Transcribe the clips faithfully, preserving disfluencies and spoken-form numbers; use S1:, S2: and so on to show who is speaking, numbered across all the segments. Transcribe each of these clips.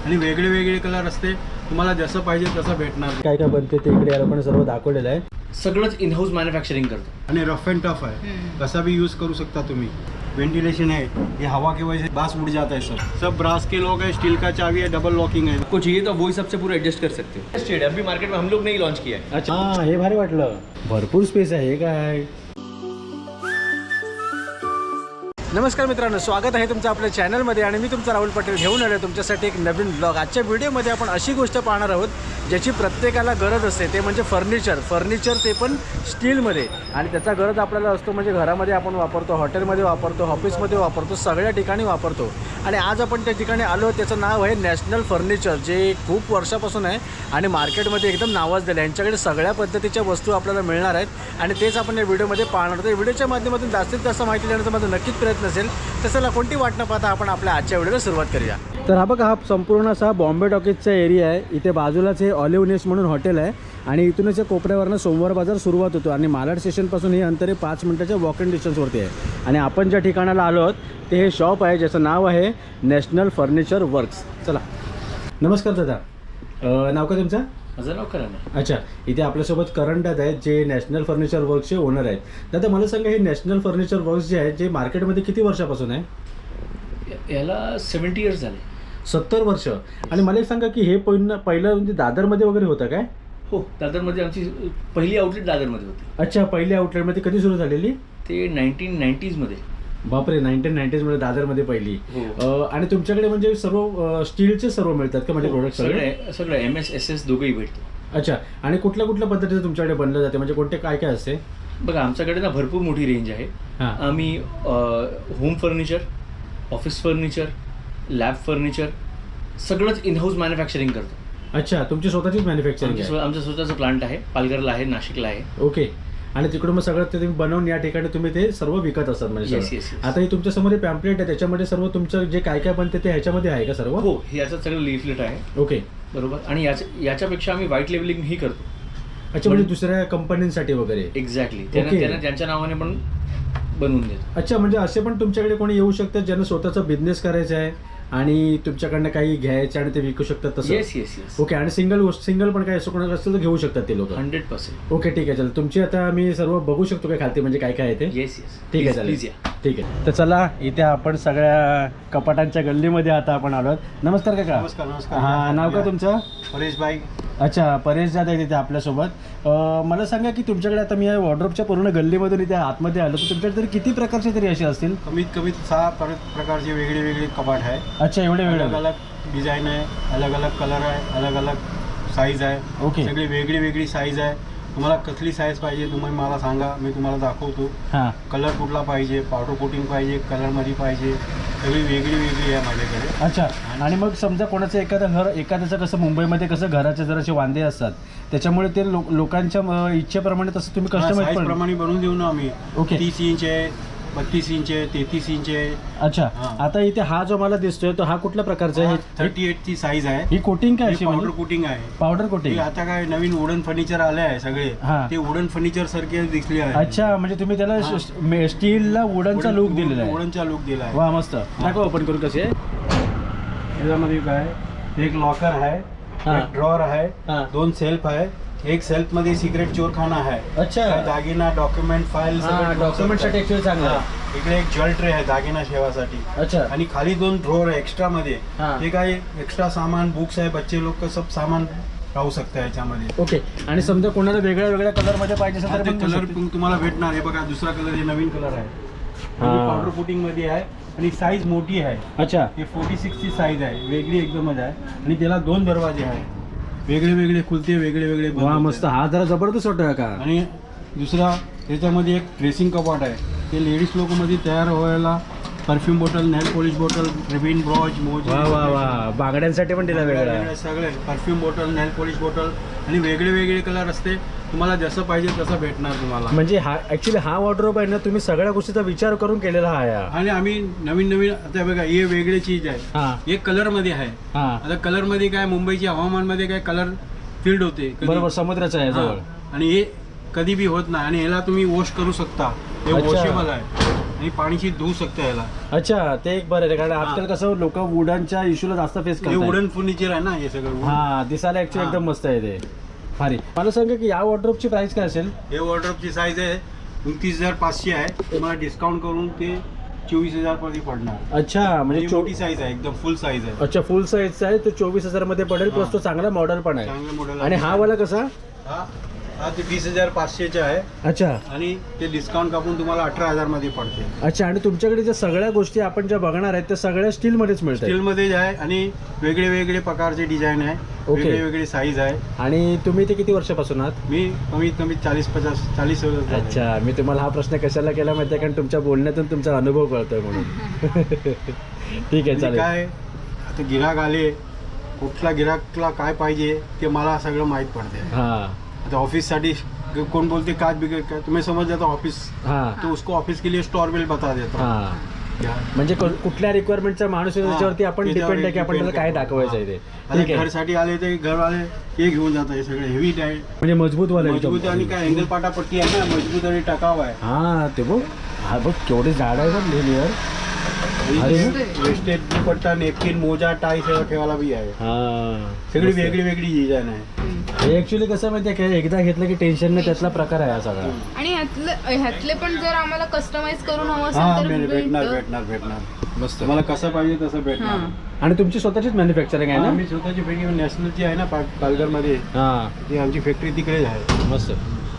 S1: आणि वेगळे वेगळे कलर असते, तुम्हाला जसं पाहिजे तसं भेटणार.
S2: काय काय बनते ते इकडे या लोकांनी सर्व दाखवलेलं आहे.
S3: सगळंच इन हाऊस मॅन्युफॅक्चरिंग करतो
S1: आणि रफ अँड टफ आहे, कसा भी यूज़ करू सकता तुम्ही. वेंटिलेशन है, ये हवा की वजह से बास उड़ जाता है. सब सब ब्रास के लोग है, स्टील का चाबी है, डबल लॉकिंग है.
S3: आपको चाहिए तो वही सबसे पूरा एडजस्ट कर सकते हो. स्टेड अभी मार्केट में हम लोग नहीं लॉन्च किया है.
S2: अच्छा हां, हे भारी वाटलं. भरपूर स्पेस आहे. हे काय? नमस्कार मित्रांनो, स्वागत आहे तुमचं आपल्या चॅनलमध्ये आणि मी तुमचा राहुल पटेल घेऊन आलो तुमच्यासाठी एक नवीन ब्लॉग. आजच्या व्हिडिओमध्ये आपण अशी गोष्ट पाहणार आहोत ज्याची प्रत्येकाला गरज असते, ते म्हणजे फर्निचर. फर्निचर ते पण स्टीलमध्ये, आणि त्याचा गरज आपल्याला असतो म्हणजे घरामध्ये आपण वापरतो, हॉटेलमध्ये वापरतो, ऑफिसमध्ये वापरतो, सगळ्या ठिकाणी वापरतो. आणि आज आपण त्या ठिकाणी आलो, त्याचं नाव आहे नॅशनल फर्निचर, जे खूप वर्षापासून आहे आणि मार्केटमध्ये एकदम नावाजलेलं आहे. यांच्याकडे सगळ्या पद्धतीच्या वस्तू आपल्याला मिळणार आहेत आणि तेच आपण या व्हिडिओमध्ये पाहणार आहोत. व्हिडिओच्या माध्यमातून जास्तीत जास्त माहिती देण्याचा माझा नक्कीच प्रयत्न असेल. तसं कोणती वाट न पाहता आपण आपल्या आजच्या व्हिडिओला सुरुवात करूया. तर हा बघा, हा संपूर्ण असा बॉम्बे टॉकीजचा एरिया आहे. इथे बाजूलाच हे ऑलिव्ह नेस्ट म्हणून हॉटेल आहे आणि इथूनच कोपऱ्यावरनं सोमवार बाजार सुरुवात होतो आणि मालाड स्टेशनपासून हे अंतर पाच मिनिटाच्या वॉक इन डिस्टन्सवरती आहे. आणि आपण ज्या ठिकाणाला आलो आहोत ते हे शॉप आहे ज्याचं नाव आहे नॅशनल फर्निचर वर्क्स. चला, नमस्कार दादा, नाव का तुमचं?
S3: माझं नाव करण आहे.
S2: अच्छा, इथे आपल्यासोबत करण दादा आहेत जे नॅशनल फर्निचर वर्क्सचे ओनर आहेत. दादा मला सांगा, हे नॅशनल फर्निचर वर्क्स जे आहे जे मार्केटमध्ये किती वर्षापासून आहे?
S3: याला सेवन्टी इयर्स झाले.
S2: सत्तर वर्ष. आणि मला एक सांगा की हे पहिलं पहिलं म्हणजे दादरमध्ये वगैरे होतं काय?
S3: हो, दादरमध्ये आमची पहिली आउटलेट दादरमध्ये होती.
S2: अच्छा, पहिली आउटलेटमध्ये कधी सुरू झालेली?
S3: ते नाईन्टीन नाईन्टीजमध्ये.
S2: बापरे, नाईन्टीन नाईन्टीजमध्ये दादरमध्ये पहिली.
S3: हो.
S2: आणि तुमच्याकडे म्हणजे सर्व स्टीलचे सर्व मिळतात का म्हणजे प्रोडक्ट?
S3: सगळे सगळं एम एस एस एस दोघंही भेटतो.
S2: अच्छा, आणि कुठल्या कुठल्या पद्धतीचं तुमच्याकडे बनलं जाते, म्हणजे कोणते काय काय असते?
S3: बघा, आमच्याकडे ना भरपूर मोठी रेंज आहे.
S2: हां.
S3: आम्ही home furniture, office furniture, lab furniture सगळंच इन हाऊस मॅन्युफॅक्चरिंग करतो.
S2: अच्छा, तुमची स्वतःचीच मॅन्युफॅक्चरिंग आहे?
S3: आमचं स्वतःचं प्लांट आहे, पालघरला आहे, नाशिकला आहे.
S2: ओके. आणि तिकडून मग सगळं ते तुम्ही बनवून या ठिकाणी तुम्ही ते सर्व विकत असतात म्हणजे?
S3: Yes yes.
S2: आता हे तुमच्या समोर पॅम्पलेट आहे, त्याच्यामध्ये सर्व तुमचं जे काय काय बनते ते ह्याच्यामध्ये आहे का सर्व?
S3: हो, हे याचं सगळं लिफलेट आहे.
S2: ओके,
S3: बरोबर. आणि याच्या याच्यापेक्षा आम्ही व्हाईट लेबलिंग ही करतो.
S2: अच्छा, म्हणजे दुसऱ्या कंपन्यांसाठी वगैरे?
S3: एक्झॅक्टली. त्यांना त्यांना त्यांच्या नावाने पण बनवून देतो.
S2: अच्छा, म्हणजे असे पण तुमच्याकडे कोणी येऊ शकतात ज्यांना स्वतःचा बिझनेस करायचा आहे आणि तुमच्याकडनं काही घ्यायचं आणि ते विकू शकतात तसं?
S3: Yes yes yes.
S2: ओके. आणि सिंगल सिंगल पण काय असं कोणाला असतं तर घेऊ शकतात ते लोक?
S3: Hundred percent.
S2: ओके, ठीक आहे. चल, तुमची आता मी सर्व बघू शकतो काय खालती म्हणजे काय काय आहे ते?
S3: Yes yes.
S2: ठीक आहे, चालेल.
S3: प्लीज या.
S2: ठीक आहे. तर चला, इथे आपण सगळ्या कपाटांच्या गल्लीमध्ये आता आपण आलो. नमस्कार काका.
S1: नमस्कार. नमस्कार.
S2: हा, नाव का तुमचं?
S1: परेश भाई.
S2: अच्छा, परेश दादा आहे तिथे आपल्यासोबत. मला सांगा की तुमच्याकडे आता मी या वॉर्डरोबच्या पूर्ण गल्लीमधून इथे आतमध्ये आलो, तर तुमच्याकडे तरी किती प्रकारचे तरी असे असतील?
S1: कमीत कमी सहा पर- प्रकारचे वेगळे वेगळे कपाट आहे.
S2: अच्छा, एवढे
S1: अलग
S2: वेगळे?
S1: अलग डिझाईन आहे, अलग अलग कलर आहे, अलग अलग साईज आहे.
S2: ओके.
S1: सगळी वेगळी वेगळी साईज आहे. तुम्हाला कसली साईज पाहिजे तुम्ही मला सांगा, मी तुम्हाला दाखवतो.
S2: हां.
S1: कलर कुठला पाहिजे, पावडर कोटिंग पाहिजे, कलरमध्ये पाहिजे, सगळी वेगळी वेगळी आहे माझ्याकडे.
S2: अच्छा. आणि मग समजा कोणाचं एखादं घर, एखाद्याचं कसं मुंबईमध्ये कसं घराचे जरासे वांदे असतात, त्याच्यामुळे ते लो लोकांच्या अं, इच्छेप्रमाणे तसं तुम्ही कस्टमाइज
S1: साईज
S2: पण?
S1: प्रमाणे बनवून देऊ ना आम्ही.
S2: ओके.
S1: तीस इंच आहे, बत्तीस इंच आहे, तेहतीस इंच आहे.
S2: अच्छा.
S1: हां.
S2: आता इथे हा जो मला दिसतोय तो हा कुठल्या प्रकारचा आहे?
S1: थर्टी एट ची साईज आहे.
S2: ही कोटिंग काय अशी?
S1: पावडर कोटिंग आहे.
S2: पावडर
S1: हे
S2: कोटिंग?
S1: आता काय नवीन वुडन फर्निचर आले आहे सगळे,
S2: हां.
S1: ते वुडन फर्निचर सारखे दिसले आहे.
S2: अच्छा, म्हणजे तुम्ही त्याला स्टीलला वुडनचा लुक दिलेला आहे?
S1: वुडनचा लुक दिला आहे.
S2: वा, मस्त. दाखव ओपन करून कसे आहे.
S1: याच्यामध्ये काय एक लॉकर आहे,
S2: हां.
S1: एक ड्रॉअर आहे,
S2: हां.
S1: दोन सेल्फ आहे. एक सेल्फ मध्ये सिक्रेट चोरखाना आहे.
S2: अच्छा.
S1: काय दागिना, डॉक्युमेंट, फाईल,
S2: डॉक्युमेंटसाठी ऍक्च्युअली चांगलं आहे.
S1: इकडे एक जल ट्रे आहे दागिना ठेवासाठी.
S2: अच्छा.
S1: आणि खाली दोन ड्रॉअर आहे एक्स्ट्रा मध्ये.
S2: हां.
S1: ते काय एक्स्ट्रा सामान, बुक्स आहे, बच्चे लोक सब सामान राहू शकतं याच्यामध्ये.
S2: ओके. आणि समजा कोणाला वेगळ्या वेगळ्या कलर मध्ये पाहिजे असेल
S1: हा,
S2: तर
S1: ते
S2: पण
S1: कलर
S2: कलर?
S1: तुम्हाला भेटणार. हे बघा, दुसरा कलर, हे नवीन कलर आहे, पावडर कोटिंग मध्ये आहे आणि साईज मोठी आहे.
S2: अच्छा.
S1: हे फोर्टी सिक्स ची साईज आहे, वेगळी एकदमच आहे. आणि त्याला दोन दरवाजे आहेत, वेगळे वेगळे खुलते, वेगळे वेगळे बंद
S2: वा,
S1: होते.
S2: मस्त. हा जरा जबरदस्त वाटतोय का?
S1: आणि दुसरा त्याच्यामध्ये एक ड्रेसिंग कपाट आहे, ते लेडीज लोक मध्ये तयार व्हायला perfume bottle, nail polish bottle, ribbon, brooch, मोजे,
S2: वा वा वा, बांगड्यांसाठी पण दिला वेगळा.
S1: वेगळे सगळे perfume bottle, nail polish bottle आणि वेगळे वेगळे कलर असते. तुम्हाला जसं पाहिजे तसं भेटणार तुम्हाला.
S2: म्हणजे हा ऍक्च्युली हा वॉर्डरोब आहे ना, तुम्ही सगळ्या गोष्टीचा विचार करून केलेला आहे.
S1: आणि आम्ही नवीन नवीन आता बघा, हे वेगळे चीज आहे.
S2: हा.
S1: एक कलर मध्ये आहे.
S2: हा.
S1: आता कलर मध्ये काय, मुंबईच्या हवामान मध्ये काय कलर फील्ड होते कधी.
S2: बरोबर, समुद्राचा आहे जवळ.
S1: हा. आणि हे कधी बी होत नाही आणि ह्याला तुम्ही वॉश करू शकता. हे
S2: अच्छा.
S1: वॉशेबल आहे. आणि पाणीशी धुवू शकता याला.
S2: अच्छा, ते एक बरं आहे कारण आजकाल कसं लोक वुडनच्या इश्यूला जास्त फेस
S1: हे
S2: करतात.
S1: वुडन फर्निचर आहे ना हे सगळं.
S2: हा, दिसायला ऍक्च्युली
S1: हा.
S2: एकदम मस्त आहे ते. भारी. मला सांगा की या वॉर्डरोबची प्राइस काय असेल?
S1: हे वॉर्डरोबची साईज आहे उनतीस हजार पाचशे आहे. तुम्हाला डिस्काउंट करून ते चोवीस हजार पर्यंत पडणार.
S2: अच्छा, म्हणजे
S1: म्हणजे
S2: चो-
S1: मोठी साईज आहे एकदम फुल साईज आहे.
S2: अच्छा, फुल साईजचा आहे तो चोवीस हजार मध्ये पडेल. प्लस
S1: हा.
S2: तो चांगला मॉडेल पण आहे.
S1: चांगलं मॉडेल
S2: आणि हा वाला कसा?
S1: हा हा ते वीस हजार पाचशेचा आहे
S2: अच्छा
S1: आणि ते डिस्काउंट कापून तुम्हाला अठरा हजार मध्ये पडते.
S2: अच्छा. आणि तुमच्याकडे ज्या सगळ्या गोष्टी आपण ज्या बघणार आहेत त्या सगळ्या स्टील मध्येच मिळतात.
S1: स्टील मध्ये आहे आणि वेगळे वेगळे प्रकारचे डिझाईन आहे.
S2: ओके.
S1: वेगळे वेगळे साईज आहे.
S2: आणि तुम्ही ते किती वर्षापासून आहात?
S1: मी कमीत कमी चाळीस पचास चाळीस वर्ष झाले.
S2: अच्छा, मी तुम्हाला हा प्रश्न कशाला केला माहिती आहे कारण तुमच्या बोलण्यातून तुमचा अनुभव कळतोय म्हणून. ठीक आहे,
S1: म्हणजे
S2: चालेल.
S1: काय आता गिराक आले कुठला गिराकला काय पाहिजे ते मला सगळं माहीत पडते.
S2: हा
S1: आता ऑफिससाठी कोण बोलते काच बिगड़ का तुम्हें समझ जाता ऑफिस
S2: हा
S1: तो उसको ऑफिस के लिए स्टोर बिल बता देता.
S2: हा
S1: क्या?
S2: म्हणजे को- कुठल्या रिक्वायरमेंटचा माणूस आहे
S1: हा,
S2: त्याच्यावरती आपण
S1: त्याच्यावर
S2: डिपेंड आहे की आपण
S1: depend
S2: त्याला काय
S1: करतो.
S2: दाखवायचं आहे
S1: हा.
S2: ते.
S1: आता
S2: ठीक आहे.
S1: घरसाठी आले ते घरवाले हे घेऊन जातात हे सगळे हेवी आहे
S2: म्हणजे मजबूत वाला एकदम.
S1: मजबूत आणि काय अँगल पाटा पट्टी आहे ना मजबूत आणि टकाव आहे.
S2: हा ते बघ, हा बघ केवढे झाड आहे ना लेअर. अरे.
S1: वेस्टेज दुपट्टा नेपकिन मोजा टाई सगळं ठेवायला बी आहे.
S2: हा
S1: सगळी वेगळी वेगळी डिझाईन आहे.
S2: हे ऍक्च्युली कसं माहितीये का एकदा घेतलं की टेन्शन नाही त्यातला प्रकार आहे हा सगळा.
S4: आणि ह्यातले ह्यातले पण जर आम्हाला कस्टमाइज करून हवं
S1: हा
S4: असेल तर
S1: भेट- भेटणार
S4: भेटतं.
S1: भेटणार भेटणार
S2: मस्त.
S1: तुम्हाला कसं पाहिजे तसं भेटणार.
S4: हा.
S2: आणि तुमची स्वतःचीच मॅन्युफॅक्चरिंग आहे ना?
S1: आम्ही स्वतःची फॅक्टरी नॅशनलची आहे ना पालघरमध्ये
S2: हा
S1: ती आमची फॅक्टरी तिकडेच आहे.
S2: मस्त.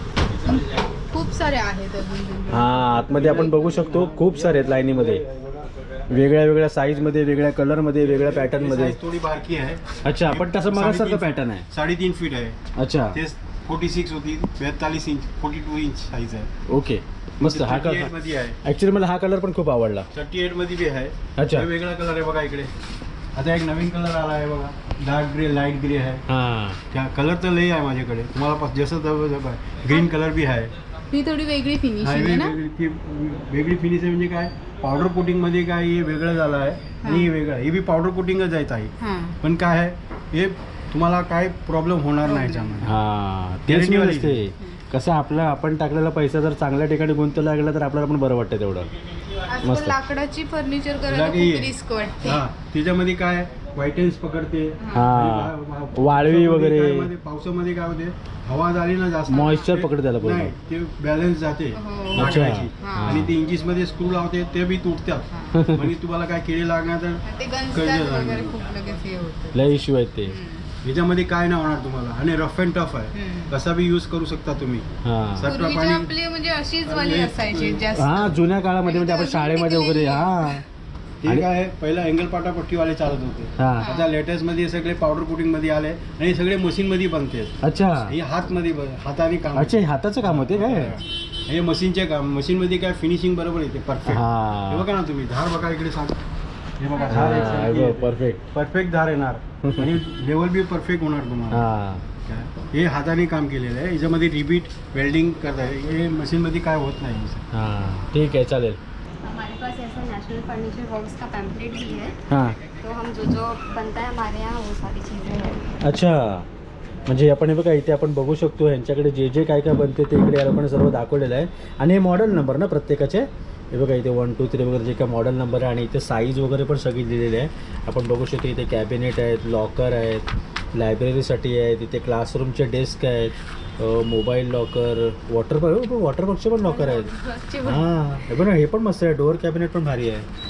S4: खूप सारे आहेत अजून.
S2: हा आतमध्ये आपण बघू शकतो खूप सारे आहेत लाईनीमध्ये वेगळ्या वेगळ्या साईज मध्ये वेगळ्या कलर मध्ये वेगळ्या पॅटर्न मध्ये.
S1: साईज थोडी बारकी आहे.
S2: अच्छा, पण तसं मगासारखं
S1: साडेतीन-
S2: पॅटर्न आहे.
S1: साडेतीन फीट आहे.
S2: अच्छा,
S1: ते फोर्टी सिक्स होती बेतालीस inch forty two inch size आहे.
S2: ओके, मस्त. हा
S1: थर्टी एट
S2: कलर
S1: मध्ये आहे.
S2: ऍक्च्युली मला हा कलर पण खूप आवडला.
S1: थर्टी एट मध्ये बी आहे.
S2: अच्छा.
S1: हे वेगळा कलर आहे बघा इकडे. आता एक नवीन कलर आला आहे बघा डार्क ग्रे लाईट ग्रे आहे.
S2: हा
S1: त्या कलर तर लई आहे माझ्याकडे तुम्हाला पास जसं ग्रीन कलर बी आहे.
S4: ही थोडी वेगळी
S1: हा,
S4: फिनिशिंग आहे
S1: वेगळी
S4: ना.
S1: वेगळी- ती वेगळी फिनिश आहे म्हणजे काय पावडर कोटिंग मध्ये काय हे वेगळं झालं आहे आणि हे वेगळं आहे. हे बी पावडर कोटिंगच आहे ताई.
S4: हा.
S1: पण काय आहे हे तुम्हाला काय प्रॉब्लेम होणार नाही याच्यामध्ये.
S2: हा तेच
S1: Guarantee
S2: मी
S1: वाली.
S2: असते कसं आपलं आपण टाकलेला पैसा जर चांगल्या ठिकाणी गुंतवला लागला तर आपल्याला पण बरं वाटतं तेवढं.
S4: आजकाल
S2: मस्त.
S4: लाकडाची फर्निचर करायला
S1: लाकडी
S4: खूप
S1: आहे.
S4: रिस्क वाटते.
S1: हा त्याच्यामध्ये काय व्हाईटन्स पकडते.
S2: हा
S1: आणि बा- बा-
S2: वाळवी
S1: पावसामध्ये
S2: वगैरे
S1: काय मध्ये- पावसामध्ये काय होते हवा झाली ना जास्त
S2: Moisture
S1: ते-
S2: पकडते त्याला पूर्ण.
S1: नाही ते बॅलन्स जाते
S4: हो.
S1: लाकडाची.
S4: हा.
S1: आणि ते इंजिस मध्ये स्क्रू लावते ते बी तुटतात. म्हणजे तुम्हाला काय किडे लागणार तर
S4: ते
S1: कर्ज
S4: गंजतात
S1: लागणार.
S4: वगैरे खूप लगेच हे होतं.
S2: लय इश्यू आहेत ते.
S1: ह्याच्यामध्ये काय नाही होणार तुम्हाला आणि रफ अँड टफ आहे.
S4: हम्म.
S1: कसा बी यूज करू शकता तुम्ही.
S2: हा
S1: सटवा
S4: पूर्वीचे
S1: पाणी
S4: आपले म्हणजे अशीच वाली
S1: आणि-
S4: असायची जास्त.
S2: हा जुन्या काळामध्ये म्हणजे आपण शाळेमध्ये वगैरे हा
S1: ते
S2: आणि-
S1: काय पहिला अँगल पाटा पट्टीवाले चालत होते.
S2: हा
S1: आता लेटेस्ट मध्ये सगळे पावडर कोटिंग मध्ये आले आणि हे सगळे मशीन मध्ये बनते.
S2: अच्छा
S1: हे हात मध्ये हाताने काम
S2: अच्छा हे हाताचं काम होते काय?
S1: हे मशीनचे काम मशीन मध्ये काय फिनिशिंग बरोबर येते परफेक्ट. हे
S2: हा
S1: बघा ना तुम्ही धार बघा इकडे सांग हे बघा धार
S2: परफेक्ट.
S1: परफेक्ट धार येणार आणि लेवल बी परफेक्ट होणार तुम्हाला.
S2: हा
S1: काय? हे हाताने काम केलेलं आहे. याच्यामध्ये रिपीट वेल्डिंग करताय हे मशीन मध्ये काय होत नाही.
S2: हा ठीक आहे चालेल.
S5: हमारे पास ऐसा नेशनल फर्नीचर वर्क्स का पैम्पलेट भी है,
S2: हा
S5: तो हम जो जो बनता है हमारे यहाँ वो सारी चीज़ें हैं.
S2: अच्छा म्हणजे आपण हे बघा इथे आपण बघू शकतो यांच्याकडे जे जे काय काय बनते ते इकडे या लोकांनी सर्व दाखवलेलं आहे. आणि हे मॉडेल नंबर ना प्रत्येकाचे हे बघा इथे वन टू थ्री वगैरे जे काय मॉडेल नंबर आहे आणि इथे साईज वगैरे पण सगळी दिलेली आहे. आपण बघू शकतो इथे कॅबिनेट आहेत लॉकर आहेत लायब्ररीसाठी आहेत इथे क्लासरूमचे डेस्क आहेत मोबाईल लॉकर वॉटर वॉटर बॉक्सचे पण लॉकर आहेत. हां हे बघा हे पण मस्त आहे डोअर कॅबिनेट पण भारी आहे.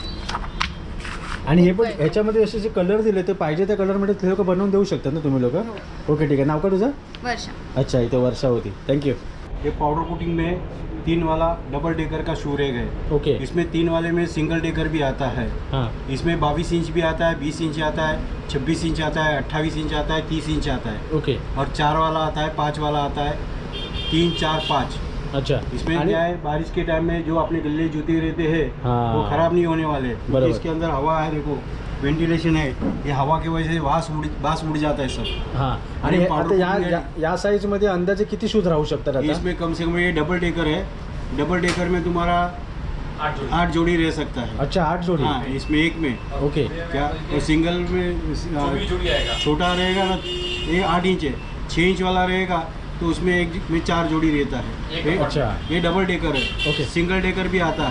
S2: आणि हे पण ह्याच्यामध्ये असे जे कलर दिले ते पाहिजे त्या कलरमध्ये ते लोक बनवून देऊ शकतात ना तुम्ही लोक. ओके ठीक आहे. नाव का तुझं?
S5: वर्षा.
S2: अच्छा इथे वर्षा होती. थँक्यू.
S1: ये पाउडर कोटिंग में तीन वाला डबल डेकर का शू रैक है.
S2: ओके
S1: इसमें तीन वाले में सिंगल डेकर भी आता है.
S2: हां
S1: इसमें बाईस इंच भी आता है बीस इंच आता है छब्बीस इंच आता है अट्ठाईस इंच आता है तीस इंच आता है
S2: ओके
S1: और चार वाला आता है पाँच वाला आता है तीन चार पाँच.
S2: अच्छा
S1: इसमें
S2: आणि-
S1: क्या है बारिश के टाइम में जो अपने गले जूते रहते हैं
S2: हाँ।
S1: वो खराब नहीं होने वाले
S2: बराबर।
S1: क्योंकि इसके अंदर हवा है देखो वेंटिलेशन है. ये हवा की वजह से वास उड़ वास उड़ जाता है सब.
S2: हां आणि
S1: आणि
S2: हे-
S1: powder
S2: आता या
S1: coating
S2: या- या साईजमध्ये अंदाजे किती शूज राहू शकतात आता?
S1: इसमें कम से कम ये डबल डेकर है. डबल डेकर में तुम्हारा आठ जोड़ी रह सकता है.
S2: अच्छा आठ जोडी.
S1: हाँ इसमें एक में
S2: ओके
S1: क्या और सिंगल में छोटा रहेगा ना ये आठ इंच है. छः इंच वाला रहेगा तो उसमें एक में चार जोड़ी रहता है. ये-
S2: अच्छा।
S1: ये डबल डेकर है.
S2: ओके।
S1: सिंगल डेकर भी आता है.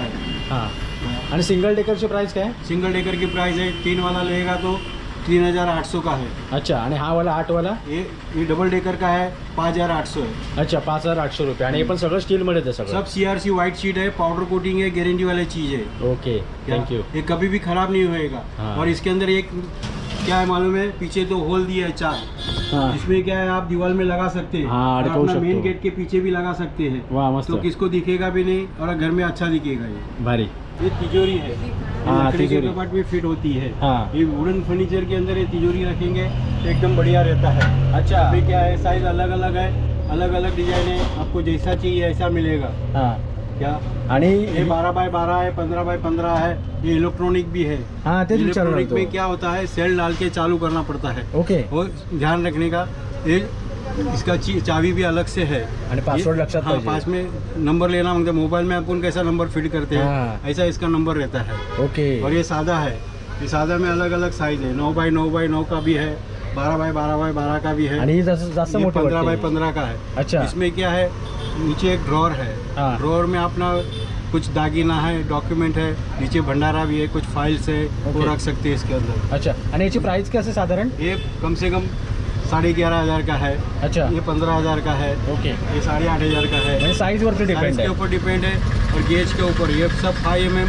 S2: हां आणि सिंगल डेकरची प्राइस काय?
S1: सिंगल डेकर की प्राइस है तीन वाला लेगा तो तीन हज़ार आठ सौ का है।
S2: अच्छा आणि हा वाला आठ वाला?
S1: ये ये डबल डेकर का है पाँच हज़ार आठ सौ है।
S2: अच्छा पाच हजार आठशे रुपये आणि हे पण सगळं स्टीलमध्येच आहे सगळं?
S1: सब C R C white sheet है, पाउडर कोटिंग है, गारंटी वाली चीज़ है।
S2: Okay thank you.
S1: ये कभी भी खराब नहीं होएगा।
S2: हाँ।
S1: और इसके अंदर एक क्या है मालूम है, पीछे तो होल दिया है चार,
S2: हाँ
S1: इसमें क्या है आप दीवार में लगा सकते हैं।
S2: हाँ,
S1: और
S2: अटकाऊ
S1: अपना
S2: सकते
S1: मेन
S2: हो।
S1: गेट के पीछे भी लगा सकते हैं।
S2: वाह मस्त
S1: तो किसको दिखेगा भी नहीं और घर में अच्छा दिखेगा। ये
S2: भारी।
S1: ये तिजोरी है,
S2: हाँ,
S1: लकड़ी के
S2: तिजोरी।
S1: कपाट में फिट होती है।
S2: हाँ।
S1: ये वुडन फर्नीचर के अंदर ये तिजोरी रखेंगे तो एकदम बढ़िया रहता है।
S2: अच्छा
S1: अभी क्या है, साइज अलग अलग है, अलग अलग डिजाइन है, आपको जैसा चाहिए ऐसा मिलेगा।
S2: हां
S1: क्या
S2: आणि
S1: ये बारह बाय बारह है, पंद्रह बाय पंद्रह है, ये इलेक्ट्रॉनिक भी है।
S2: हां तेच विचारणार
S1: इलेक्ट्रॉनिक में
S2: होतो।
S1: क्या होता है, सेल डाल के चालू करना पड़ता है।
S2: ओके
S1: वो ध्यान रखने का, ये इसका ची- चाबी भी अलग से है
S2: आणि पासवर्ड
S1: ये-
S2: लक्षात
S1: हाँ,
S2: पाहिजे।
S1: पास में नंबर लेना मांगते, मोबाइल में अपन कैसा नंबर फिट करते
S2: हाँ।
S1: हैं ऐसा इसका नंबर रहता है।
S2: ओके
S1: और ये सादा है, ये सादा में अलग अलग साइज है, नौ बाई नौ बाई नौ का भी है, बारह बाय बारह बाय बारह का भी है,
S2: आणि ही जास्त जास्त
S1: ये
S2: मोठी
S1: पंद्रह बाय
S2: वाटते।
S1: पंद्रह का है।
S2: अच्छा
S1: इसमें क्या है, नीचे एक ड्रॉर है,
S2: हाँ।
S1: ड्रॉर में अपना कुछ दागीना है, डॉक्यूमेंट है, नीचे भंडारा भी है, कुछ फाइल्स है, वो
S2: ओके।
S1: रख सकते हैं इसके अंदर।
S2: अच्छा आणि याची प्राइस काय असेल साधारण?
S1: ये कम से कम साढ़े ग्यारह हज़ार का है,
S2: अच्छा
S1: ये पंद्रह हज़ार का है,
S2: ओके
S1: ये साढ़े आठ हज़ार का है।
S2: म्हणजे साईज वरती
S1: साइज
S2: डिपेंड
S1: के
S2: आहे।
S1: ऊपर डिपेंड है और गेज के ऊपर। ये सब फाइव एम एम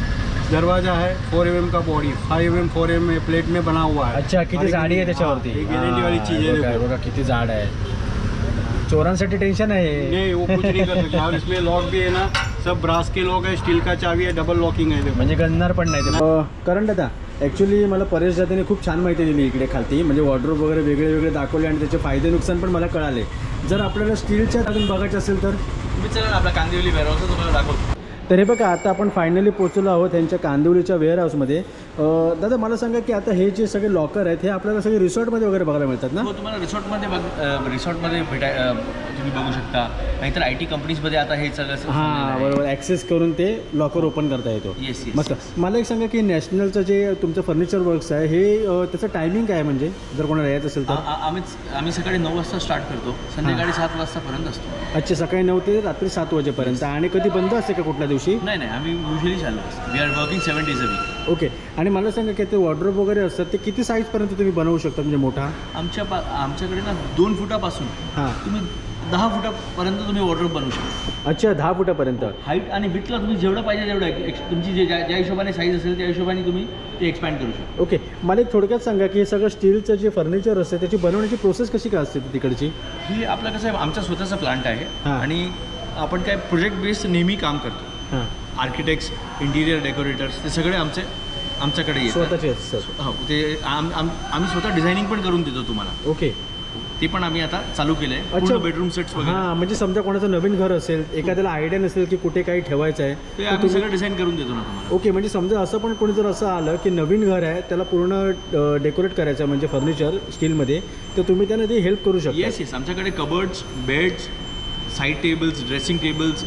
S1: दरवाजा है, फोर एम एम का body, five M M four M M plate में बना हुआ है।
S2: अच्छा किती
S1: और
S2: जाडी आहे
S1: हाँ,
S2: त्याच्यावरती?
S1: ये गारंटी वाली
S2: हां,
S1: चीज़ है।
S2: बघा
S1: देखो।
S2: बघा किती जाड आहे। चोरांसाठी टेन्शन आहे।
S1: नहीं वो कुछ नहीं कर सकते। और इसमें लॉक भी है ना, सब ब्रास के लॉक है, स्टील का चाबी है, डबल लॉकिंग है। देखो
S2: म्हणजे गणणार पण नाही ते। करण दादा ॲक्च्युली मला परेश दादाने खूप छान माहिती दिली इकडे खालती, म्हणजे वॉर्डरोब वगैरे वेगळे वेगळे दाखवले आणि त्याचे फायदे नुकसान पण मला कळाले। जर आपल्याला स्टीलच्या अजून बघायचं असेल तर
S3: तुम्ही चला ना, आपला कांदिवली वेअरहाऊस तुम्हाला दाखवतो।
S2: तर हे बघा आता आपण फायनली पोहोचलो आहोत त्यांच्या कांदिवलीच्या वेअरहाऊसमध्ये। अं, दादा मला सांगा की आता हे जे सगळे लॉकर आहेत हे आपल्याला सगळे रिसॉर्टमध्ये वगैरे बघायला मिळतात ना?
S3: हो, तुम्हाला रिसॉर्टमध्ये बघ अ, रिसॉर्टमध्ये भेटाय अ, तुम्ही बघू शकता, नाहीतर आय टी कंपनीजमध्ये आता हे सगळं
S2: हां बरोबर, ॲक्सेस करून ते लॉकर ओपन करता येतो।
S3: येस येस
S2: मस्त। मला एक सांगा की नॅशनलचं जे तुमचं फर्निचर वर्क्स आहे हे अं, त्याचं टायमिंग काय आहे, म्हणजे जर कोणाला यायचं असेल तर?
S3: आम्हीच आम्ही सकाळी नऊ वाजता स्टार्ट करतो, संध्याकाळी सात वाजतापर्यंत असतो।
S2: अच्छा सकाळी नऊ ते रात्री सात वाजेपर्यंत। आणि कधी बंद असते का कुठल्या दिवशी?
S3: नाही नाही, आम्ही युजली चालू असतो, we are working seven days a week.
S2: Okay आणि मला सांगा की ते वॉर्डरोब वगैरे असतात ते किती साईजपर्यंत तुम्ही बनवू शकता, म्हणजे मोठा?
S3: आमच्या पा आमच्याकडे ना दोन फुटापासून
S2: हां
S3: तुम्ही दहा फुटापर्यंत तुम्ही वॉर्डरोब बनवू शकता।
S2: अच्छा दहा फुटापर्यंत?
S3: हाईट आणि विथला तुम्ही जेवढं पाहिजे तेवढं एक्स तुमची जे ज्या ज्या हिशोबाने साईज असेल त्या हिशोबाने तुम्ही ते एक्सपॅन्ड करू शकता।
S2: ओके मला एक थोडक्यात सांगा की हे सगळं स्टीलचं जे फर्निचर असते त्याची बनवण्याची प्रोसेस कशी काय असते तिकडची?
S3: ही आपलं कसं आहे, आमचा स्वतःचा प्लांट आहे
S2: हां.
S3: आणि आपण काय प्रोजेक्ट बेस्ड नेहमी काम करतो।
S2: हां
S3: आर्किटेक्ट्स, इंटिरियर डेकोरेटर्स ते सगळे आमचे आमच्याकडे येतात।
S2: स्वतःचे असतात?
S3: हो, ते आम आम आम्ही स्वतः डिझायनिंग पण करून देतो तुम्हाला।
S2: ओके
S3: ते पण आम्ही आता चालू केलं आहे,
S2: अच्छा
S3: पूर्ण बेडरूम सेट्स वगैरे
S2: हां म्हणजे समजा कोणाचं नवीन घर असेल, एखाद्याला आयडिया नसेल की कुठे काही ठेवायचं आहे
S3: ते
S2: तर
S3: आम्ही
S2: तुम्ही-
S3: सगळं डिझाईन करून देतो ना तुम्हाला।
S2: ओके म्हणजे समजा असं पण कोणी जर असं आलं की नवीन घर आहे त्याला पूर्ण डेकोरेट करायचं आहे म्हणजे फर्निचर स्टीलमध्ये, तर तुम्ही त्यांना ते हेल्प करू शकता?
S3: येस येस, आमच्याकडे cupboards, beds, side tables, dressing tables,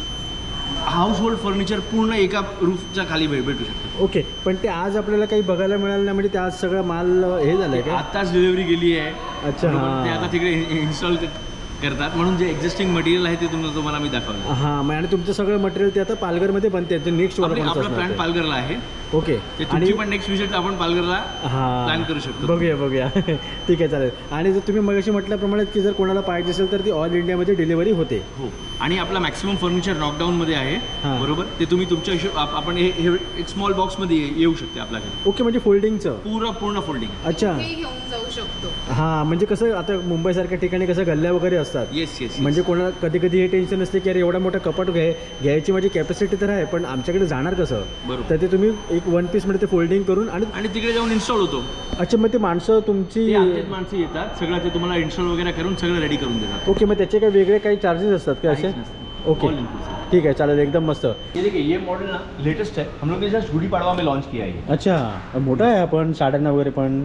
S3: household furniture पूर्ण एका रूफच्या खाली भेट भेटू शकतं।
S2: ओके पण ते आज आपल्याला काही बघायला मिळालं नाही, म्हणजे ते आज सगळं माल हे झालं आहे का?
S3: आत्ताच डिलिव्हरी गेली आहे।
S2: अच्छा,
S3: बरोबर,
S2: हां.
S3: ते आता तिकडे इन्स्टॉल करतात, म्हणून जे एक्झिस्टिंग मटेरियल आहे ते तुम्हाला तुम्हाला मी दाखवलं।
S2: हां मग आणि तुमचं सगळं मटेरियल ते आता पालघरमध्ये बनते, ते नेक्स्ट
S3: आपले- आपला प्लॅन पालघरला आहे।
S2: ओके
S3: ते
S2: आणि
S3: तुमची पण नेक्स्ट विजिट आपण पालघरला
S2: हां
S3: प्लॅन करू शकतो।
S2: बघूया बघूया ठीक आहे चालेल। आणि जर तुम्ही मगाशी म्हटल्याप्रमाणे की जर कोणाला पाहिजे असेल तर ती ऑल इंडियामध्ये डिलिव्हरी होते?
S3: हो, आणि आपला मॅक्सिमम फर्निचर नॉकडाऊनमध्ये आहे।
S2: हां.
S3: बरोबर, ते तुम्ही तुमच्या हिशोब आप- आपण हे हे एक स्मॉल बॉक्समध्ये ये- येऊ शकते आपल्याकडे,
S2: ओके म्हणजे फोल्डिंगचं?
S3: पूर्ण पूर्ण फोल्डिंग।
S2: अच्छा
S4: हे घेऊन जाऊ शकतो।
S2: हां म्हणजे कसं आता मुंबईसारख्या ठिकाणी कसं गल्ल्या वगैरे असतात,
S3: येस येस,
S2: म्हणजे कोणाला कधी कधी हे टेन्शन असते की अरे एवढा मोठा कपाट घ्याय घ्यायची माझी कॅपॅसिटी तर आहे पण आमच्याकडे जाणार कसं,
S3: बरोबर.
S2: तर ते तुम्ही एक वन पीसमध्ये ते फोल्डिंग करून आणि
S3: आणि तिकडे जाऊन इन्स्टॉल होतो।
S2: अच्छा मग ते माणसं तुमची
S3: ते आमचेच माणसं येतात, सगळं ते तुम्हाला इन्स्टॉल वगैरह करून सगळं रेडी करून देतात।
S2: ओके मग त्याचे काही वेगळे काही चार्जेस असतात का असे?
S3: काहीच नसतं.
S2: Okay
S3: All inclusive.
S2: ठीक आहे चालेल एकदम मस्त।
S3: ये देखिए, ये मॉडल ना लेटेस्ट है, हम लोग ने जस्ट गुड़ी पड़वा में लॉन्च किया है ये।
S2: अच्छा मोठा आहे आपण साड्यांना वगैरे पण,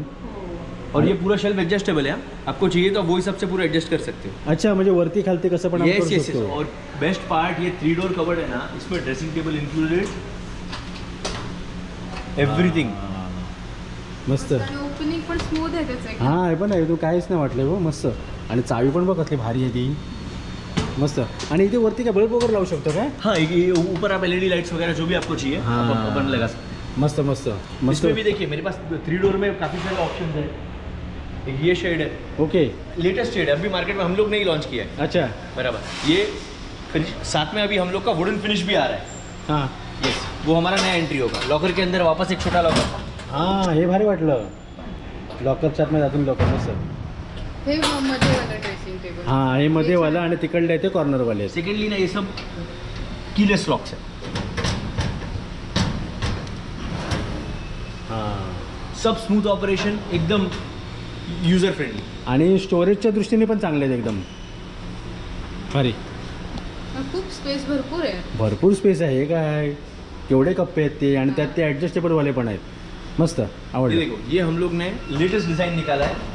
S3: और ये पूरा शेल्फ एडजस्टेबल है, आपको चाहिए तो वो हिसाब से पूरा एडजस्ट कर सकते हो।
S2: अच्छा म्हणजे वरती खालती कसं पण आपण
S3: यस
S2: करू
S3: यस यस,
S2: शकतो?
S3: और बेस्ट पार्ट ये थ्री डोर कवर्ड है ना, इसमें ड्रेसिंग टेबल इंक्लूडेड, एवरीथिंग।
S2: मस्त।
S4: आणि ओपनिंग पण स्मूथ आहे त्याचं एकदम.
S2: हां हे पण आहे, तू काहीच नाही वाटलं हो, मस्त। आणि चावी पण बघ कसली भारी आहे ती, मस्त. आणि इथे वरती काय बल्ब वगैरे लावू शकतो काय?
S3: हाँ ये ये ऊपर आप एलईडी लाइट्स वगैरह जो भी आपको चाहिए
S2: हाँ।
S3: आप अपन लगा सकते
S2: मस्त मस्त
S3: हैं
S2: मस्त.
S3: इसमें भी देखिए मेरे पास थ्री डोर में काफ़ी सारे ऑप्शन है. एक ये शेड है,
S2: ओके.
S3: लेटेस्ट शेड है, अभी मार्केट में हम लोग ने ही लॉन्च किया है.
S2: अच्छा.
S3: बराबर. ये फिनिश साथ में अभी हम लोग का वुडन फिनिश भी आ रहा है.
S2: हां
S3: यस, वो हमारा नया एंट्री होगा. लॉकर के अंदर वापस एक छोटा लॉकर.
S2: हां हे भारी वाटलं. लॉकरच्या आतमध्ये अजून लॉकर मस्त.
S4: हे मध्ये वाला ड्रेसिंग टेबल.
S2: हां हे मध्ये वाला आणि तिकडले ते कॉर्नरवाले.
S3: सेकेंडली ना ये सब कीलेस लॉक्स है.
S2: हां
S3: सब स्मूथ ऑपरेशन, एकदम यूजर फ्रेंडली.
S2: आणि स्टोरेजच्या दृष्टीने पण चांगले आहेत एकदम भारी.
S4: खूप स्पेस भरपूर आहे.
S2: भरपूर स्पेस आहे. हे काय केवढे कप्पे आहेत ते आणि त्यात ते ॲडजस्टेबलवाले पण आहेत. मस्त
S3: ये
S2: आवडलं.
S3: देखो, ये हम लोग ने लेटेस्ट डिजाइन निकाला है.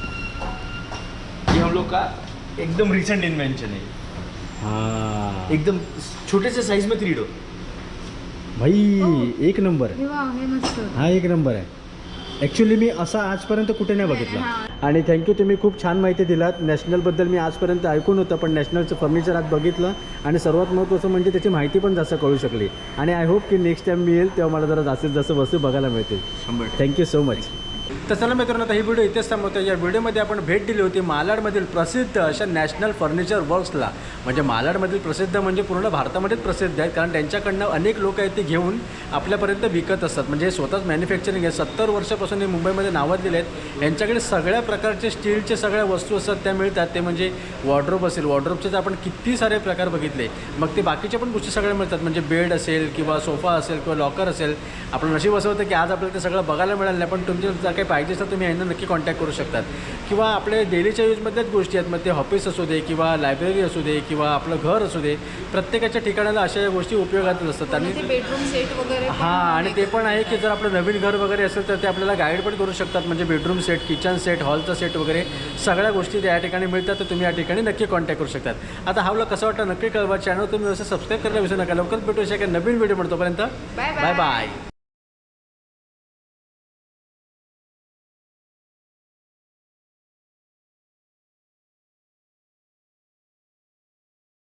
S3: ये हम लोग का एकदम रिसेंट इन्वेंशन है.
S2: हां
S3: एकदम छोटे से साइज में थ्री डोर.
S2: भाई एक नंबर.
S4: हे वा हे मस्त.
S2: हा एक नंबर आहे. ॲक्च्युली मी असा आजपर्यंत कुठे नाही बघितला. आणि थँक्यू, तुम्ही खूप छान माहिती दिलात. नॅशनलबद्दल मी आजपर्यंत ऐकून होतं, पण नॅशनलचं फर्निचर आज बघितलं आणि सर्वात महत्त्वाचं म्हणजे त्याची माहिती पण जास्त कळू शकली. आणि आय होप की नेक्स्ट टाईम मी येईल तेव्हा मला जरा जास्तीत जास्त वस्तू बघायला मिळतील.
S3: शंभर.
S2: Thank you so much. तर चला मित्रांनो, आता ही व्हिडिओ इथेच थांबवतो. या व्हिडिओमध्ये आपण भेट दिली होती मालाडमधील प्रसिद्ध अशा नॅशनल फर्निचर वर्क्सला. म्हणजे मालाडमधील प्रसिद्ध म्हणजे पूर्ण भारतामध्येच प्रसिद्ध आहेत, कारण त्यांच्याकडनं अनेक लोक आहेत ते घेऊन आपल्यापर्यंत विकत असतात. म्हणजे स्वतःच मॅन्युफॅक्चरिंग आहे. सत्तर वर्षापासून हे मुंबईमध्ये नावाजलेले आहेत. यांच्याकडे सगळ्या प्रकारचे स्टीलचे सगळ्या वस्तू असतात त्या मिळतात. ते म्हणजे वॉर्ड्रोब असेल, वॉर्ड्रोबचे तर आपण किती सारे प्रकार बघितले. मग ते बाकीच्या पण गोष्टी सगळ्या मिळतात. म्हणजे बेड असेल किंवा सोफा असेल किंवा लॉकर असेल. आपलं नशीब असं होतं की आज आपल्याला ते सगळं बघायला मिळालं नाही, पण तुमचे जर काही पाहिजे असेल तुम्ही यांना नक्की कॉन्टॅक्ट करू शकतात. किंवा आपले डेलीच्या यूजमधल्याच गोष्टी आहेत. मग ते ऑफिस असू दे किंवा लायब्ररी असू दे किंवा आपलं घर असू दे, प्रत्येकाच्या ठिकाणाला अशा या गोष्टी उपयोगातच असतात. आणि
S4: बेडरूम सेट वगैरे
S2: हां, आणि ते पण आहे की जर आपलं नवीन घर वगैरे असेल तर ते आपल्याला गाईड पण करू शकतात. म्हणजे बेडरूम सेट, किचन सेट, हॉलचा सेट वगैरे सगळ्या गोष्टी त्या ठिकाणी मिळतात. तर तुम्ही या ठिकाणी नक्की कॉन्टॅक्ट करू शकतात. आता हा व्लॉग कसा वाटतं नक्की कळवा. चॅनल तुम्ही असं सबस्क्राईब करायला विसरू नका. लवकरच भेटू शकेल नवीन व्हिडिओ म्हणतो. तोपर्यंत बाय बाय.